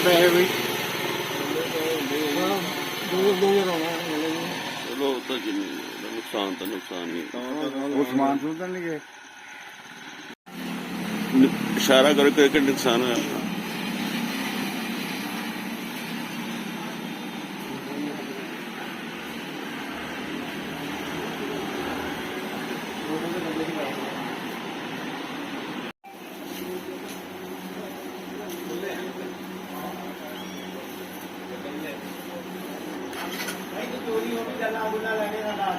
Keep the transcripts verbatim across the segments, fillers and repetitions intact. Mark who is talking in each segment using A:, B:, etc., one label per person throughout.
A: ਪੈਸੇ ਵੀ
B: ਚਲੋ ਉਹ ਤਾਂ ਜਿੰਨੀ ਨੁਕਸਾਨ ਤਾਂ ਨੁਕਸਾਨ ਨਹੀਂ।
A: ਉਹ ਸਮਾਨ ਸੁਣਦੇ ਨਹੀਂ ਗਏ।
B: ਇਸ਼ਾਰਾ ਕਰੋ ਕਿ ਕਿ ਨੁਕਸਾਨ ਹੋਇਆ।
C: चोरी होगी जला गुला लगे ना डाल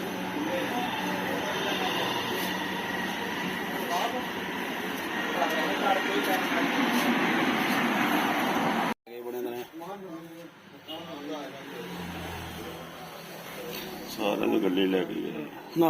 B: सारे ने गड्डी ले गई ना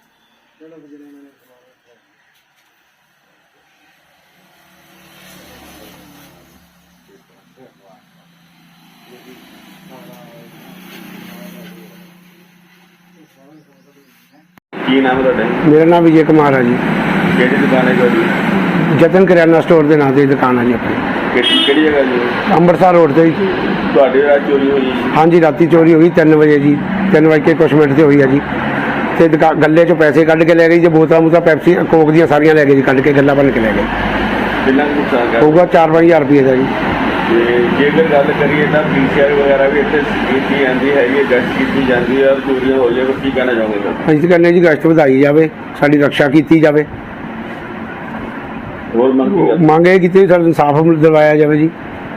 B: ਕੀ ਨਾਮ ਤੁਹਾਡਾ?
D: ਮੇਰਾ ਨਾਮ ਵਿਜੇ ਕੁਮਾਰ ਹੈ ਜੀ।
B: ਕਿਹੜੀ ਦੁਕਾਨ ਹੈ ਤੁਹਾਡੀ?
D: ਜਤਨ ਕਰਿਆਨਾ ਸਟੋਰ ਦੇ ਨਾਂ ਤੇ ਦੁਕਾਨ ਹੈ ਜੀ ਆਪਣੀ।
B: ਕਿਹੜੀ ਕਿਹੜੀ ਜਗ੍ਹਾ ਜੀ?
D: ਅੰਮ੍ਰਿਤਸਰ ਰੋਡ ਤੇ ਜੀ।
B: ਤੁਹਾਡੇ ਰਾਤ ਚੋਰੀ ਹੋਈ?
D: ਹਾਂਜੀ, ਰਾਤੀ ਚੋਰੀ ਹੋਈ ਤਿੰਨ ਵਜੇ ਜੀ। ਤਿੰਨ ਵਜੇ ਕੇ ਕੁਛ ਮਿੰਟ ਤੇ ਹੋਈ ਹੈ ਜੀ। ਤੇ ਦੁਕਾ ਗੱਲੇ ਚੋਂ ਪੈਸੇ ਕੱਢ ਕੇ ਲੈ ਗਏ ਜੀ। ਬੋਤਲਾਂ ਬੋਤਲਾਂ ਪੈਪਸੀ ਕੋਕ ਦੀਆਂ ਸਾਰੀਆਂ ਲੈ ਗਏ ਜੀ, ਕੱਢ ਕੇ ਗੱਲਾਂ ਭੰਨ ਕੇ ਲੈ ਗਏ।
B: ਕਿੰਨਾ ਕੁ ਨੁਕਸਾਨ ਕਰ
D: ਹੋਊਗਾ ਚਾਰ ਪੰਜ ਹਜ਼ਾਰ ਰੁਪਏ ਦਾ ਜੀ।
B: ਤੇ ਜੇਕਰ ਗੱਲ ਕਰੀਏ ਤਾਂ ਪੀਸੀਆਰ ਵਗੈਰਾ ਵੀ ਇੱਥੇ ਕੀਤੀ ਜਾਂਦੀ ਹੈਗੀ, ਗਸ਼ਤ ਕੀਤੀ ਜਾਂਦੀ ਹੈ ਔਰ ਚੋਰੀਆਂ ਹੋ ਜਾਵੇ, ਕੀ ਕਹਿਣਾ ਚਾਹੋਗੇ ਸਰ?
D: ਅਸੀਂ ਤਾਂ ਕਹਿੰਦੇ ਜੀ ਗਸ਼ਤ ਵਧਾਈ ਜਾਵੇ, ਸਾਡੀ ਰੱਖਿਆ ਕੀਤੀ ਜਾਵੇ।
B: ਹੋਰ ਮੰਗ ਕੀ ਕਰਦੇ?
D: ਮੰਗ ਇਹ ਕੀਤੀ ਸਾਨੂੰ ਇਨਸਾਫ ਦਿਵਾਇਆ ਜਾਵੇ ਜੀ।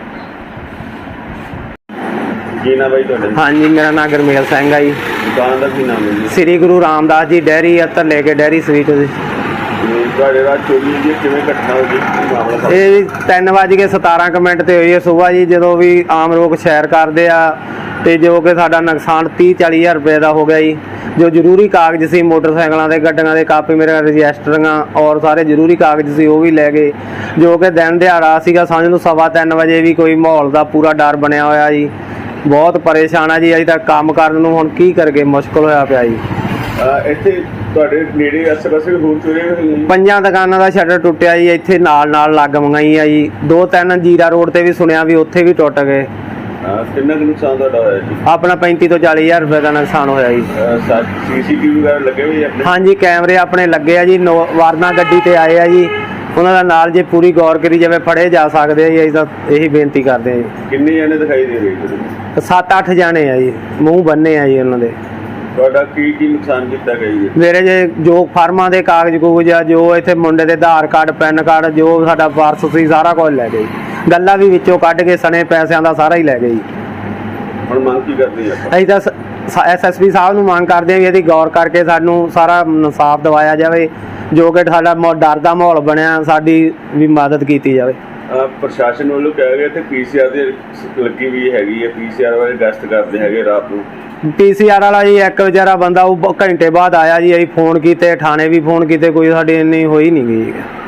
B: ਕੀ ਨਾਮ ਬਾਈ ਤੁਹਾਡਾ?
E: ਹਾਂਜੀ, ਮੇਰਾ ਨਾਮ ਗੁਰਮੇਲ ਸਿੰਘ ਆ ਜੀ।
B: ਦੁਕਾਨ ਦਾ ਕੀ ਨਾਮ ਹੈ ਜੀ?
E: ਸ੍ਰੀ ਗੁਰੂ ਰਾਮਦਾਸ ਜੀ ਡੈਰੀ ਅਤਰ ਲੈ ਕੇ ਡੈਰੀ ਸਵੀਟ ਜੀ।
B: ਤੁਹਾਡੇ ਰਾਤ ਚੋਰੀ ਹੋਈ ਕਿਵੇਂ ਘਟਨਾ ਹੋਈ, ਕੀ ਮਾਮਲਾ?
E: ਇਹ ਜੀ ਤਿੰਨ ਵੱਜ ਕੇ ਸਤਾਰਾਂ ਕੁ ਮਿੰਟ ਤੇ ਹੋਈ ਹੈ ਸੁਬਾਹ ਜੀ, ਜਦੋਂ ਵੀ ਆਮ ਲੋਕ ਸੈਰ ਕਰਦੇ ਆ ਤੇ ਜੋ ਕਿ ਸਾਡਾ ਨੁਕਸਾਨ ਤੀਹ ਚਾਲੀ ਹਜ਼ਾਰ ਰੁਪਏ ਦਾ ਹੋ ਗਿਆ ਜੀ। ਜੋ ਜ਼ਰੂਰੀ ਕਾਗਜ਼ ਸੀ ਮੋਟਰਸਾਈਕਲਾਂ ਦੇ, ਗੱਡੀਆਂ ਦੇ, ਕਾਪੀ ਮੇਰੇ ਰਜਿਸਟਰੀਆਂ ਔਰ ਸਾਰੇ ਜ਼ਰੂਰੀ ਕਾਗਜ਼ ਸੀ ਉਹ ਵੀ ਲੈ ਗਏ। ਜੋ ਕਿ ਦਿਨ ਦਿਹਾੜਾ ਸੀਗਾ, ਸਮਝ ਲਓ ਸਵਾ ਤਿੰਨ ਵਜੇ ਵੀ ਕੋਈ ਮਾਹੌਲ ਦਾ ਪੂਰਾ ਡਰ ਬਣਿਆ ਹੋਇਆ ਜੀ। ਬਹੁਤ ਪਰੇਸ਼ਾਨ ਆ ਜੀ। ਅਜੇ ਤੱਕ ਕੰਮ ਕਰਨ ਨੂੰ ਹੁਣ ਕੀ ਕਰਗੇ, ਮੁਸ਼ਕਲ ਹੋਇਆ ਪਿਆ ਜੀ।
B: ਇੱਥੇ ਤੁਹਾਡੇ ਨੇੜੇ ਆਸੇ ਪਾਸੇ ਹੋਰ ਚੋਰੀਆਂ ਹੋਈਆਂ?
E: ਪੰਜਾਂ ਦੁਕਾਨਾਂ ਦਾ ਸ਼ਟਰ ਟੁੱਟਿਆ ਜੀ। ਇੱਥੇ ਨਾਲ ਨਾਲ ਲੱਗ ਮੰਗਾਈ ਆ ਜੀ। ਦੋ ਤਿੰਨ ਜੀਰਾ ਰੋਡ ਤੇ ਵੀ ਸੁਣਿਆ ਵੀ ਉੱਥੇ ਵੀ ਟੁੱਟ ਗਏ।
B: ਕਿੰਨਾ ਕੁ ਨੁਕਸਾਨ ਤੁਹਾਡਾ ਹੋਇਆ ਜੀ?
E: ਆਪਣਾ ਪੈਂਤੀ ਤੋਂ ਚਾਲੀ ਹਜ਼ਾਰ ਰੁਪਏ ਦਾ ਨੁਕਸਾਨ ਹੋਇਆ ਜੀ।
B: ਸੀਸੀਟੀਵੀ ਵਗੈਰਾ ਲੱਗੇ ਹੋਏ ਆਪਣੇ?
E: ਹਾਂਜੀ, ਕੈਮਰੇ ਆਪਣੇ ਲੱਗੇ ਆ ਜੀ। ਨੋ ਵਾਰਨਾ ਗੱਡੀ ਤੇ ਆਏ ਆ ਜੀ। ਉਹਨਾਂ ਦਾ ਨਾਲ ਜੇ ਪੂਰੀ ਗੌਰ ਕਰੀ ਜਾਵੇ ਫੜੇ ਜਾ ਸਕਦੇ ਆ ਜੀ। ਅਸੀਂ ਤਾਂ ਇਹੀ ਬੇਨਤੀ ਕਰਦੇ ਆ ਜੀ।
B: ਕਿੰਨੇ ਜਣੇ ਦਿਖਾਈ ਦੇ ਰਹੇ ਜੀ?
E: ਸੱਤ ਅੱਠ ਜਾਣੇ ਆ ਜੀ, ਮੂੰਹ ਬੰਨੇ ਆ ਜੀ ਉਹਨਾਂ ਦੇ।
B: ਤੁਹਾਡਾ ਕੀ ਕੀ ਨੁਕਸਾਨ ਕੀਤਾ ਗਿਆ ਜੀ?
E: ਮੇਰੇ ਜੇ ਜੋ ਫਾਰਮਾਂ ਦੇ ਕਾਗਜ਼ ਕੂਗਜ਼ ਆ, ਜੋ ਇੱਥੇ ਮੁੰਡੇ ਦੇ ਆਧਾਰ ਕਾਰਡ, ਪੈਨ ਕਾਰਡ, ਜੋ ਸਾਡਾ ਪਰਸ ਸੀ ਸਾਰਾ ਕੁਝ ਲੈ ਗਏ। ਗੱਲਾਂ ਵੀ ਵਿੱਚੋਂ ਕੱਢ ਕੇ ਸਣੇ ਪੈਸਿਆਂ ਦਾ ਸਾਰਾ ਹੀ ਲੈ ਗਏ ਜੀ।
B: ਹੁਣ ਮੰਗ ਕੀ ਕਰਦੇ ਆ?
E: ਅਸੀਂ ਤਾਂ ਐਸ ਐਸ ਪੀ ਸਾਹਿਬ ਨੂੰ ਮੰਗ ਕਰਦੇ ਹਾਂ ਵੀ ਇਹਦੀ ਗੌਰ ਕਰਕੇ ਸਾਨੂੰ ਸਾਰਾ ਇਨਸਾਫ ਦਿਵਾਇਆ ਜਾਵੇ। ਜੋ ਕਿ ਸਾਡਾ ਡਰ ਦਾ ਮਾਹੌਲ ਬਣਿਆ, ਸਾਡੀ ਵੀ ਮਦਦ ਕੀਤੀ ਜਾਵੇ।
B: ਪ੍ਰਸ਼ਾਸਨ ਵੱਲੋਂ ਕਿਹਾ ਗਿਆ ਤੇ ਪੀਸੀਆਰ ਦੀ ਲੱਗੀ ਵੀ ਹੈਗੀ ਹੈ, ਪੀਸੀਆਰ ਵਾਲੇ ਗਸ਼ਤ ਕਰਦੇ ਹੈਗੇ ਰਾਤ ਨੂੰ।
E: ਪੀਸੀਆਰ ਵਾਲਾ ਜੀ ਇੱਕ ਵਿਚਾਰਾ ਬੰਦਾ ਉਹ ਘੰਟੇ ਬਾਅਦ ਆਇਆ ਜੀ। ਅਸੀਂ ਫੋਨ ਕੀਤੇ, ਥਾਣੇ ਵੀ ਫੋਨ ਕੀਤੇ, ਕੋਈ ਸਾਡੀ ਇੰਨੀ ਹੋਈ ਨਹੀਂ ਗਈ।